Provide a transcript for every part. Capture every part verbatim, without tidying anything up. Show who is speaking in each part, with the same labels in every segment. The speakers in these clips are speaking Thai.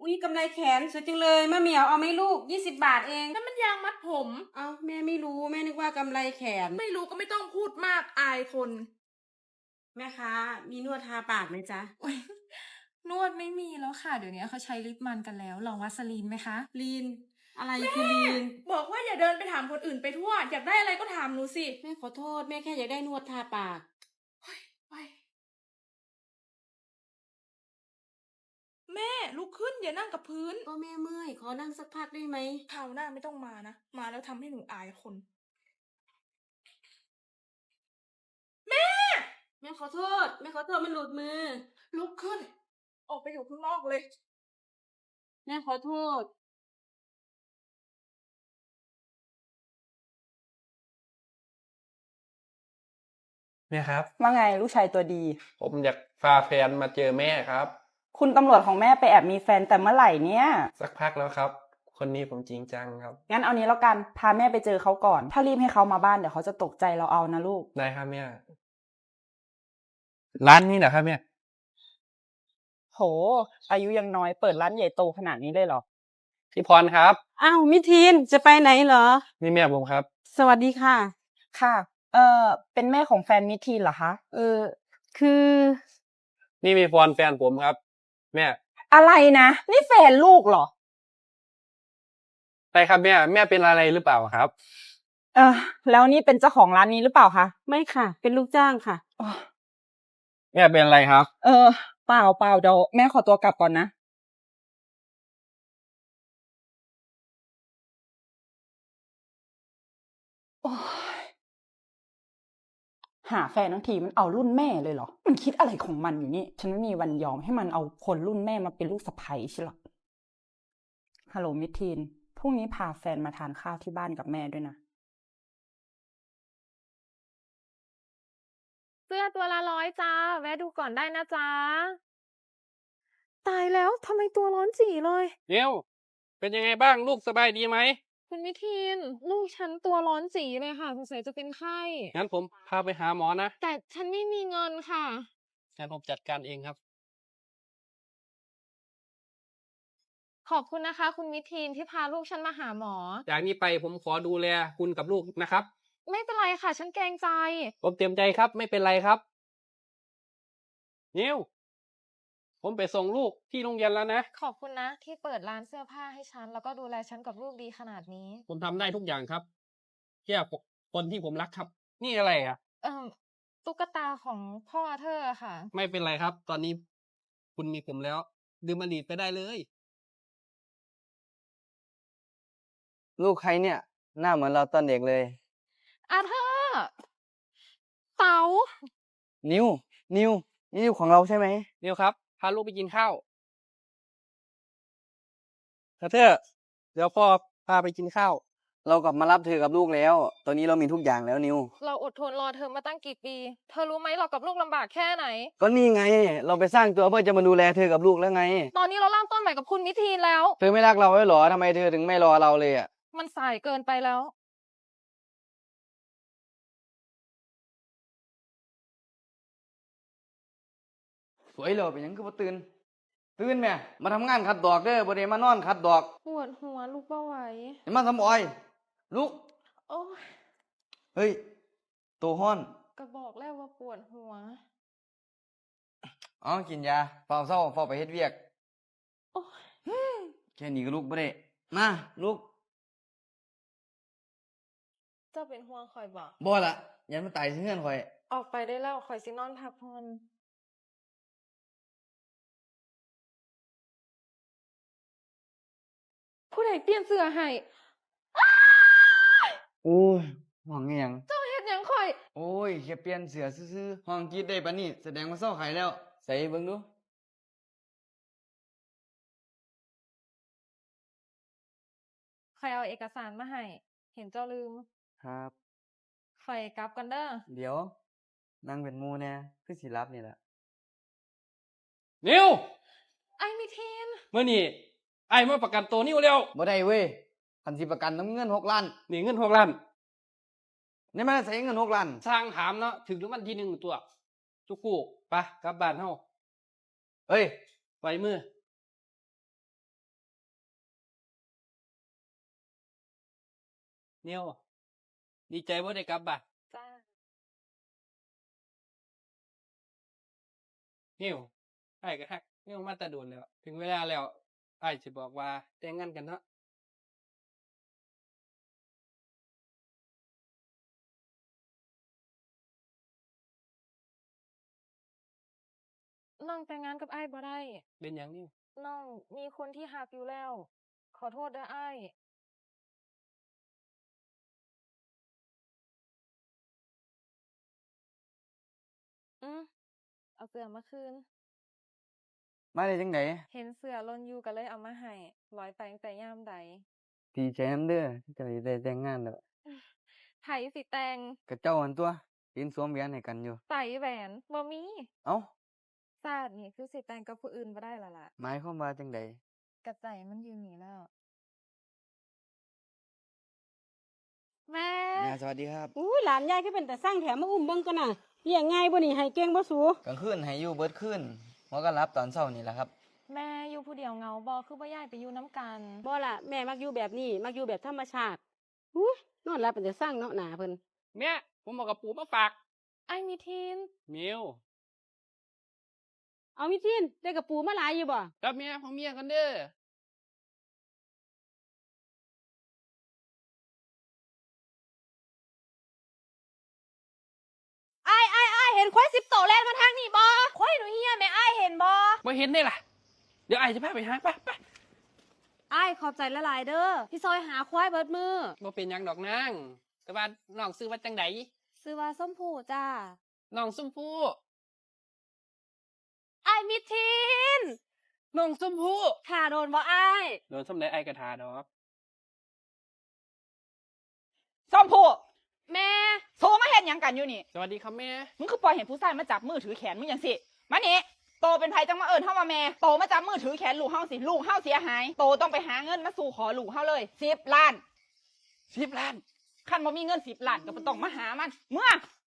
Speaker 1: อุ้ยกำไรแขนสวยจังเลยมะเหมียวเอาไหมลูกยี่สิบบาทเอง
Speaker 2: นั่นมันยางมัดผม
Speaker 1: เอาแม่ไม่รู้แม่นึกว่ากำไรแขน
Speaker 2: ไม่รู้ก็ไม่ต้องพูดมากอายคน
Speaker 1: แม่ค้ามีนวดทาปากไหมจ๊ะ
Speaker 2: โอ๊ยนวดไม่มีแล้วค่ะ เดี๋ยวนี้เขาใช้ลิปมันกันแล้ว ลองวัสลีนไหมคะ
Speaker 1: ลีนอะไรคือลีน
Speaker 2: บอกว่าอย่าเดินไปถามคนอื่นไปทั่ว อยากได้อะไรก็ถามหนูสิ
Speaker 1: แม่ขอโทษแม่แค่อยากได้นวดทาปาก
Speaker 2: เฮ้ยไปแม่ลุกขึ้นอย่านั่งกับพื้น
Speaker 1: ก็แม่เมื่อยขอนั่งสักพักได้ไหม
Speaker 2: คราวหน้าไม่ต้องมานะ มาแล้วทำให้หนูอายคน แม่
Speaker 1: แม่ขอโทษแม่ขอโทษมันหลุดมือ
Speaker 2: ลุกขึ้น ออกไปอยู่ข้างนอกเลย
Speaker 1: แม่ขอโทษ
Speaker 3: แม่ครับ
Speaker 4: ว่าไงลูกชายตัวดี
Speaker 3: ผมอยากพาแฟนมาเจอแม่ครับ
Speaker 4: คุณตำรวจของแม่ไปแอบมีแฟนแต่เมื่อไหร่เนี่ย
Speaker 3: สักพักแล้วครับ คนนี้ผมจริงจังครับ
Speaker 4: งั้นเอานี้แล้วกันพาแม่ไปเจอเขาก่อน ถ้ารีบให้เขามาบ้านเดี๋ยวเขาจะตกใจเราเอานะลูก
Speaker 3: ได้ครับแม่ร้านนี้เหรอครับแม่
Speaker 4: โห อายุยังน้อยเปิดร้านใหญ่โตขนาดนี้เลยเหรอ
Speaker 3: พี่พรครับ
Speaker 1: อ้าวมิทีนจะไปไหนเหรอ
Speaker 3: นี่แม่ผมครับ
Speaker 1: สวัสดีค่ะ
Speaker 4: ค่ะ เอ่อเป็นแม่ของแฟนมิทีนเหรอคะ
Speaker 1: เออคือ
Speaker 3: นี่มีพรแฟนผมครับ แม่
Speaker 4: อะไรนะนี่แฟนลูกเหรอ
Speaker 3: ใช่ครับแม่แม่เป็นอะไรหรือเปล่าครับ
Speaker 4: เออแล้วนี่เป็นเจ้าของร้านนี้หรือเปล่าคะ
Speaker 1: ไม่ค่ะ เป็นลูกจ้างค่ะ
Speaker 4: อ๋อ
Speaker 3: แม่เป็นอะไรครับ
Speaker 4: เออเปล่าเปล่าเดี๋ยวแม่ขอตัวกลับก่อนนะโอ้ยหาแฟนทั้งทีมันเอารุ่นแม่เลยเหรอ มันคิดอะไรของมันอยู่นี่ ฉันไม่มีวันยอมให้มันเอาคนรุ่นแม่มาเป็นลูกสะใภ้ใช่หรอฮัลโหลมิทีนพรุ่งนี้พาแฟนมาทานข้าวที่บ้านกับแม่ด้วยนะ
Speaker 5: เสื้อตัวละร้อยจ้าแวะดูก่อนได้นะจ๊ะตายแล้วทำไมตัวร้อนจี่เลย
Speaker 3: เดี๋ยวเป็นยังไงบ้างลูกสบายดีไหม
Speaker 5: คุณมิทิน ลูกฉันตัวร้อนจี่เลยค่ะสงสัยจะเป็นไข้
Speaker 3: งั้นผมพาไปหาหมอนะ
Speaker 5: แต่ฉันไม่มีเงินค่ะ
Speaker 3: งั้นผมจัดการเองครับ
Speaker 5: ขอบคุณนะคะ คุณมิทินที่พาลูกฉันมาหาหมอ
Speaker 3: จากนี้ไปผมขอดูแลคุณกับลูกนะครับ
Speaker 5: ไม่เป็นไรค่ะ ฉันเกรงใจ
Speaker 3: ผมเต็มใจครับ ไม่เป็นไรครับนิวผมไปส่งลูกที่โรงเรียนแล้วนะ
Speaker 5: ขอบคุณนะ ที่เปิดร้านเสื้อผ้าให้ฉัน แล้วก็ดูแลฉันกับลูกดีขนาดนี้
Speaker 3: ผมทำได้ทุกอย่างครับเพื่อคนที่ผมรักครับ นี่อะไรอ่ะ
Speaker 5: เอ่อตุ๊กตาของพ่อเธอค่ะ
Speaker 3: ไม่เป็นไรครับ ตอนนี้คุณมีผมแล้วดื่มอดีตไปได้เลย
Speaker 6: ลูกใครเนี่ย หน้าเหมือนเราตอนเด็กเลย
Speaker 5: อาเธอร์เต๋า
Speaker 6: นิว นิว นี่นิวของเราใช่ไหม
Speaker 3: นิวครับพาลูกไปกินข้าวกระเทอเดี๋ยวพ่อพาไปกินข้าว
Speaker 6: เรากลับมารับเธอกับลูกแล้ว ตอนนี้เรามีทุกอย่างแล้วนิว
Speaker 5: เราอดทนรอเธอมาตั้งกี่ปี เธอรู้ไหมเรากับลูกลำบากแค่ไหน
Speaker 6: ก็นี่ไง เราไปสร้างตัวเพื่อจะมาดูแลเธอกับลูกแล้วไง
Speaker 5: ตอนนี้เราเริ่มต้นใหม่กับคุณมิทีนแล้ว
Speaker 6: เธอไม่รักเราไว้หรอทำไมเธอถึงไม่รอเราเลยอ่ะ
Speaker 5: มันสายเกินไปแล้ว
Speaker 6: สวยเลยเป็นหยังคือบ่ตื่น ตื่นแม่มาทำงานขัดดอกเด้อบ่ได้มานอนขัดดอก
Speaker 5: ปวดหัวลูกเบาไหว
Speaker 6: อย่ามาทำอ้อย ลูก
Speaker 5: โอ้ย
Speaker 6: เฮ้ยโตฮ้อน
Speaker 5: ก็บอกแล้วว่าปวดหัว
Speaker 6: อ๋อกินยาเฝ้าเศร้าเฝ้าไปเฮ็ดเวียก
Speaker 5: โอ้ย
Speaker 6: แค่นี้ก็ลูกบ่ได้มาลูก
Speaker 5: เจ้าเป็นห่วงคอยบอก
Speaker 6: บ่ละยันมันตายสิเฮือนข่อย
Speaker 5: ออกไปได้แล้วคอยสินอนพักผ่อนผู้ใดเปลี่ยนเสื้อให้
Speaker 6: โอ้ยห่วงอีหยัง
Speaker 5: เจ้าเฮ็ดหยังคอย
Speaker 6: โอ้ยแค่เปลี่ยนเสือซื่อๆห้องกรีดได้ปะนี่แสดงว่าเศร้าไข่แล้ว ใส่เบิ่งดู
Speaker 5: คอยเอาเอกสารมาให้ เห็นเจ้าลืม
Speaker 6: ครับ
Speaker 5: คอยกลับกันเด้อ
Speaker 6: เดี๋ยว นั่งเป็นหมูแน่คือสิรับนี่แหละ
Speaker 3: นิว
Speaker 5: ไอ้มิทีน
Speaker 3: เมื่อนี่ไอ้มาประกันตัวนิวเร็ว
Speaker 6: บ่ได้เว้ยคันสิประกันน้ำเงินหกล้าน
Speaker 3: นี่เงินหกล้าน
Speaker 6: นี่มันใส่เงินหกล้าน
Speaker 3: สร้างถามเนาะถึงรางวัลที่หนึ่งตัวจุกกูไปกลับบ้านเฮา
Speaker 6: เอ้ย
Speaker 3: ไว้มือนิวดีใจว่าได้กลับบ่ะ
Speaker 5: จ้า
Speaker 3: นิวไอ้ก็ฮักนิวมาแตะโดนแล้ว ถึงเวลาแล้วไอ้สิบอกว่าแต่งงานกันเนาะ
Speaker 5: น้องแต่งงานกับอ้ายบ่ได้
Speaker 3: เป็นหยังนิว
Speaker 5: น้องมีคนที่หักอยู่แล้ว ขอโทษเด้ออ้าย อืมเอาเสื้อมาคืน
Speaker 6: มาได้จังได
Speaker 5: เห็นเสื้อหล่นอยู่ก็เลยเอามาให้ร้อยไปตั้งแต่ยามใด
Speaker 6: ดีใจนำเด้อที่เจ้าสิได้แต่งงานแล้ว
Speaker 5: ไผสิแต่ง
Speaker 6: กับเจ้าหันตัวยืนสวมแหวนให้กันอยู่
Speaker 5: ใส่แหวนบ่มี
Speaker 6: เอ้า
Speaker 5: ซาดนี่คือสิแต่งกับผู้อื่นบ่ได้และล่ะ
Speaker 6: หมายความว่าจังได
Speaker 5: กระใจมันอยู่นี่แล้ว แม่
Speaker 6: แม่สวัสดีครับ
Speaker 1: อู้หลานยายก็เป็นแต่สร้างแถมมาอุ้มเบิ่งกันน่ะเลี้ยงง่ายบ่นี่ให้เก่งบ่สู
Speaker 6: กลางคืนให้อยู่เบิดคืนหัวก็รับตอนเช้านี่แหละครับ
Speaker 5: แม่อยู่ผู้เดียวเหงาบ่คือบ่ย้ายไปอยู่น้ำกัน
Speaker 1: บ่ล่ะแม่มักอยู่แบบนี้มักอยู่แบบธรรมชาติอู้นอนหลับเป็นแต่สร้างเนาะหนาเพิ่น
Speaker 3: แม่ผมเอากระปูมาฝาก
Speaker 5: ไอ้มีทีน
Speaker 3: มิว
Speaker 1: เอามิทินได้กระปูมาหลายอยู่บ่
Speaker 3: รับเมียของเมียกันเด้อ
Speaker 1: อ้ายอ้ายอ้ายเห็นควายสิบโตแล่นมาทางนี้บ่ควายหนูเฮียแม่อ้ายเห็นบ่
Speaker 3: มาเห็นได้ล่ะ เดี๋ยวไอ้จะพาไปหาไปไป
Speaker 1: อ้ายขอบใจละหลายเด้อที่ซอยหาควายเบิดมือ
Speaker 3: บ่เป็นหยังดอกนางแต่ว่าน้องซื้อว่าจังได
Speaker 1: ซื้อว่าส้มผูจ้า
Speaker 3: น้องส้มผู้
Speaker 1: อ้ายมิทิน
Speaker 3: น้องส้มผู้
Speaker 1: ถ้าโดนบ่อ้าย
Speaker 3: โดนส้มได้ไอ้กระทาดอก
Speaker 7: ส้มผู้
Speaker 1: แม่
Speaker 7: โทรมาเห็นยังกันอยู่นี่
Speaker 3: สวัสดีครับแม่
Speaker 7: มึงคือปล่อยเห็นผู้ชายมาจับมือถือแขนมึงอย่างสิ มานี่โตเป็นไผจังมาเอิญเฮามาแม่ โตมาจับมือถือแขนลูกเฮาสิ ลูกเฮาเสียหาย โตต้องไปหาเงินมาสู่ขอลูกเฮาเลยสิบล้าน
Speaker 3: สิบล้าน
Speaker 7: คันบ่มีเงินสิบล้านก็บ่ต้องมาหามัน เมื่อ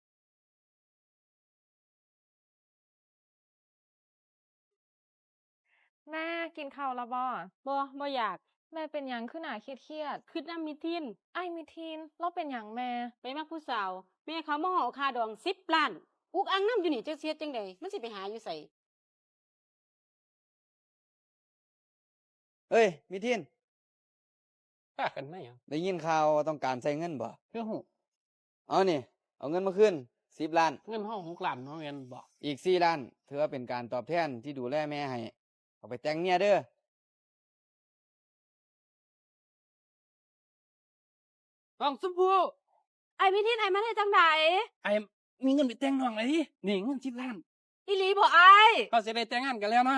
Speaker 5: แม่กินข้าวและบ่
Speaker 1: บ่บ่อยาก
Speaker 5: แม่เป็นหยังคือหน้าเครียด
Speaker 1: คิดนำมิทิน
Speaker 5: ๆไอ้มีทีนเราเป็นหยังแม่
Speaker 1: ไปมักผู้สาว แม่เขามาห่อค่าดองสิบล้าน อุกอังน้ำอยู่นี่จักเสียจังไดมันสิไปหาอยู่ไส
Speaker 6: เอ้ยมิทิน
Speaker 3: พากันไหมอ่ะ
Speaker 6: ได้ยินข่าวว่าต้องการใช้เงินบ่
Speaker 3: เพื่อหู
Speaker 6: เอานี่ เอาเงินมาคืนสิบล้าน
Speaker 3: เงินห้องหกล้านเนาะแม่นบอก
Speaker 6: อีกสี่ล้านถือว่าเป็นการตอบแทนที่ดูแลแม่ให้ เอาไปแต่งเมียเด้อ
Speaker 3: น้องส้มผู้
Speaker 1: ไอ้มิทินไอ้มาได้จังได
Speaker 3: ไอ้มีเงินไปแต่งน้องเลยดินี่เงินสิบล้าน
Speaker 1: อีหลีบ่อ้าย
Speaker 3: เขาจะได้แต่งงานกันแล้วน้อง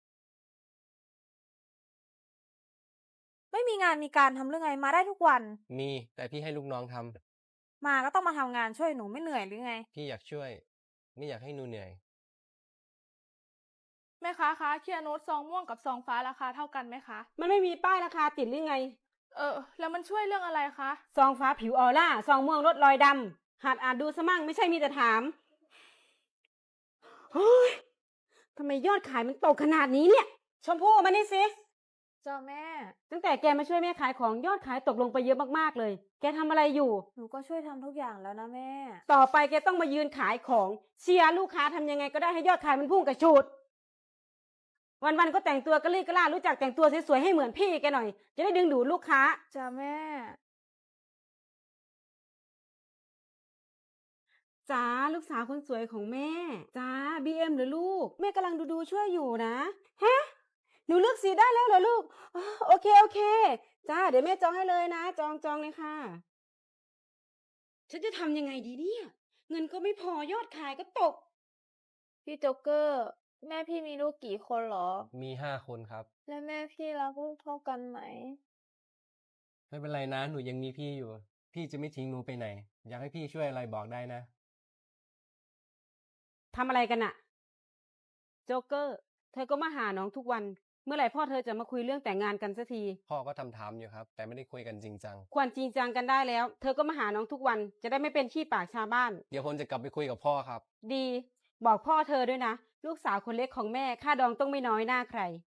Speaker 8: ไม่มีงานมีการทำเรื่องไงมาได้ทุกวัน
Speaker 9: มีแต่พี่ให้ลูกน้องทำ
Speaker 8: มาก็ต้องมาทำงานช่วยหนูไม่เหนื่อยหรือไง
Speaker 9: พี่อยากช่วย ไม่อยากให้หนูเหนื่อย
Speaker 2: แม่ค้าคะเคลียร์โน้ตซองม่วงกับซองฟ้าราคาเท่ากันไหมคะ
Speaker 1: มันไม่มีป้ายราคาติดหรือไง
Speaker 2: เออ แล้วมันช่วยเรื่องอะไรคะ
Speaker 1: ซองฟ้าผิวออร่า ซองม่วงลดรอยดำ หัดอ่านดูสมั่งไม่ใช่มีแต่ถาม เฮ้ย ทำไมยอดขายมันตกขนาดนี้เนี่ย ชมพู่มานี่สิ
Speaker 8: จ้าแม่
Speaker 1: ตั้งแต่แกมาช่วยแม่ขายของยอดขายตกลงไปเยอะมากๆเลย แกทำอะไรอยู่
Speaker 8: หนูก็ช่วยทำทุกอย่างแล้วนะแม่
Speaker 1: ต่อไปแกต้องมายืนขายของเชียร์ลูกค้าทำยังไงก็ได้ให้ยอดขายมันพุ่งกระชูด วันๆก็แต่งตัวกระลี่กระล่ารู้จักแต่งตัวสวยๆให้เหมือนพี่แกหน่อย จะได้ดึงดูดลูกค้า
Speaker 8: จ้าแม่
Speaker 1: จ้าลูกสาวคนสวยของแม่ จ้าบีเอ็มหรือลูก แม่กำลังดูดูช่วยอยู่นะฮะหนูเลือกสีได้แล้วเหรอลูกอ๋อโอเคโอเคจ้าเดี๋ยวแม่จองให้เลยนะจองจองเลยค่ะ ฉันจะทำยังไงดีเนี่ยเงินก็ไม่พอยอดขายก็ตก
Speaker 8: พี่โจ๊กเกอร์ แม่พี่มีลูกกี่คนเหรอ
Speaker 9: มีห้าคนครับ
Speaker 8: และแม่พี่รักลูกเท่ากันไหม
Speaker 9: ไม่เป็นไรนะ หนูยังมีพี่อยู่ พี่จะไม่ทิ้งหนูไปไหน อยากให้พี่ช่วยอะไรบอกได้นะ
Speaker 1: ทำอะไรกันอะโจ๊กเกอร์ เธอก็มาหาน้องทุกวัน เมื่อไหร่พ่อเธอจะมาคุยเรื่องแต่งงานกันสักที
Speaker 9: พ่อก็ทำถามอยู่ครับ แต่ไม่ได้คุยกันจริงจัง
Speaker 1: ควรจริงจังกันได้แล้ว เธอก็มาหาน้องทุกวัน จะได้ไม่เป็นขี้ปากชาวบ้าน
Speaker 9: เดี๋ยวผมจะกลับไปคุยกับพ่อครับ
Speaker 1: ดี บอกพ่อเธอด้วยนะ ลูกสาวคนเล็กของแม่ค่าดองต้องไม่น้อยหน้าใคร